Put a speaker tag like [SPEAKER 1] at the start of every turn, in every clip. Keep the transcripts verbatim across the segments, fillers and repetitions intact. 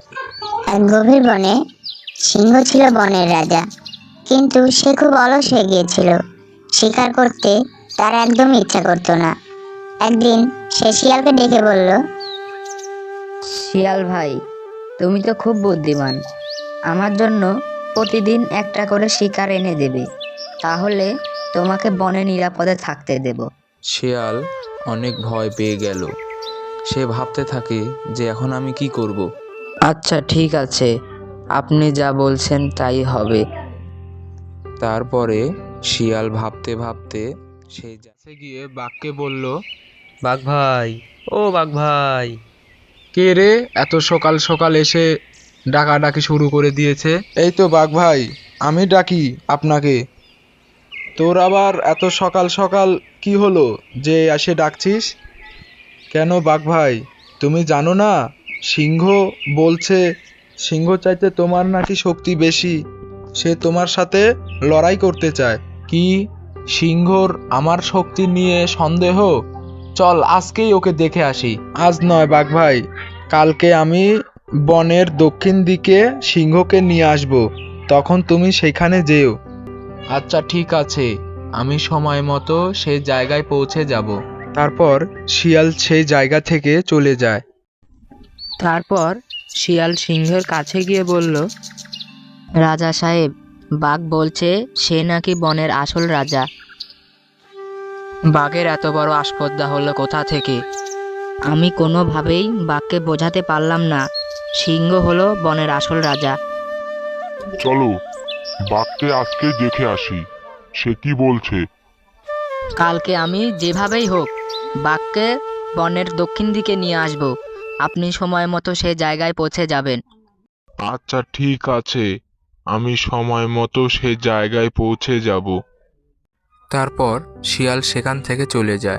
[SPEAKER 1] এক গভীর বনে সিংহ ছিল বনের রাজা, কিন্তু সে খুব অলস হয়ে গিয়েছিল। শিকার করতে তার একদম ইচ্ছা করতো না। একদিন সে শিয়ালকে ডেকে বলল,
[SPEAKER 2] শিয়াল ভাই, তুমি তো খুব বুদ্ধিমান। আমার জন্য প্রতিদিন একটা করে শিকার এনে দেবে, তাহলে তোমাকে বনে নিরাপদে থাকতে দেব।
[SPEAKER 3] শিয়াল অনেক ভয় পেয়ে গেল। সে ভাবতে থাকে যে এখন আমি কি করব।
[SPEAKER 2] আচ্ছা ঠিক আছে, আপনি যা বলছেন তাই হবে।
[SPEAKER 3] তারপরে শিয়াল ভাবতে ভাবতে সেই কাছে গিয়ে বাঘকে বলল,
[SPEAKER 4] বাঘ ভাই, ও বাঘ ভাই।
[SPEAKER 5] কে রে এত সকাল সকাল এসে ডাকাডাকি শুরু করে দিয়েছে? এই তো বাঘ ভাই, আমি ডাকি আপনাকে। তোর আবার এত সকাল সকাল কি হলো যে এসে ডাকছিস? কেন বাঘ ভাই, তুমি জানো না সিংহ বলছে সিংহ চাইতে তোমার নাকি শক্তি বেশি, সে তোমার সাথে লড়াই করতে চায়। কি, সিংহর আমার শক্তি নিয়ে সন্দেহ? চল আজকেই ওকে দেখে আসি। আজ নয় বাঘ ভাই, কালকে আমি বনের দক্ষিণ দিকে সিংহকে নিয়ে আসব, তখন তুমি সেখানে যেও। আচ্ছা ঠিক আছে, আমি সময় মতো সেই জায়গায় পৌঁছে যাব। তারপর শিয়াল সেই জায়গা থেকে চলে যায়।
[SPEAKER 2] তারপর শিয়াল সিংহের কাছে গিয়ে বলল, রাজা সাহেব, বাঘ বলছে সে নাকি বনের আসল রাজা। বাঘের এত বড় আসপদ্দা হলো কোথা থেকে? আমি কোনোভাবেই বাঘকে বোঝাতে পারলাম না সিংহ হলো বনের আসল রাজা।
[SPEAKER 6] চলো বাঘকে আজকে দেখে আসি, সে কি বলছে।
[SPEAKER 2] কালকে আমি যেভাবেই হোক বাঘকে বনের দক্ষিণ দিকে নিয়ে আসব। আপনি সময় মতো সে জায়গায় পৌঁছে যাবেন।
[SPEAKER 6] আচ্ছা ঠিক আছে, আমি সময় মতো সে জায়গায় পৌঁছে যাব।
[SPEAKER 3] তারপর শিয়াল সেখান থেকে চলে যায়।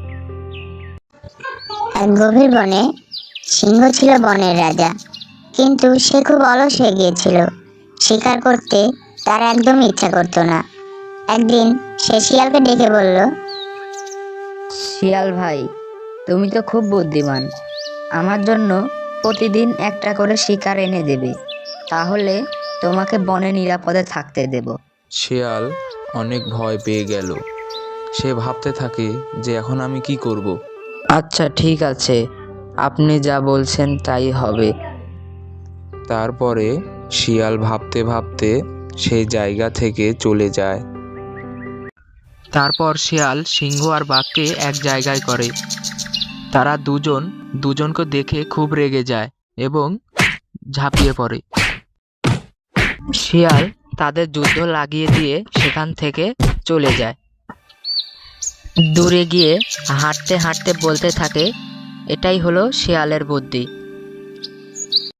[SPEAKER 1] এক গভীর বনে সিংহ ছিল বনের রাজা, কিন্তু সে খুব অলস হয়ে গিয়েছিল। শিকার করতে তার একদম ইচ্ছা করতো না। একদিন সে শিয়ালকে ডেকে বলল,
[SPEAKER 2] শিয়াল ভাই, তুমি তো খুব বুদ্ধিমান। আমার জন্য প্রতিদিন একটা করে শিকার এনে দেবে, তাহলে তোমাকে বনে নিরাপদে থাকতে দেব।
[SPEAKER 3] শিয়াল অনেক ভয় পেয়ে গেল। সে ভাবতে থাকে যে এখন আমি কি করব।
[SPEAKER 2] আচ্ছা ঠিক আছে, আপনি যা বলছেন তাই হবে।
[SPEAKER 3] তারপরে শিয়াল ভাবতে ভাবতে সেই জায়গা থেকে চলে যায়।
[SPEAKER 5] তারপর শিয়াল সিংহ আর বাঘকে এক জায়গায় করে। তারা দুজন দুজনকে দেখে খুব রেগে যায় এবং ঝাঁপিয়ে পড়ে।
[SPEAKER 2] শিয়াল তাদের যুদ্ধ লাগিয়ে দিয়ে সেখান থেকে চলে যায়। দূরে গিয়ে হাঁটতে হাঁটতে বলতে থাকে, এটাই হলো শিয়ালের বুদ্ধি।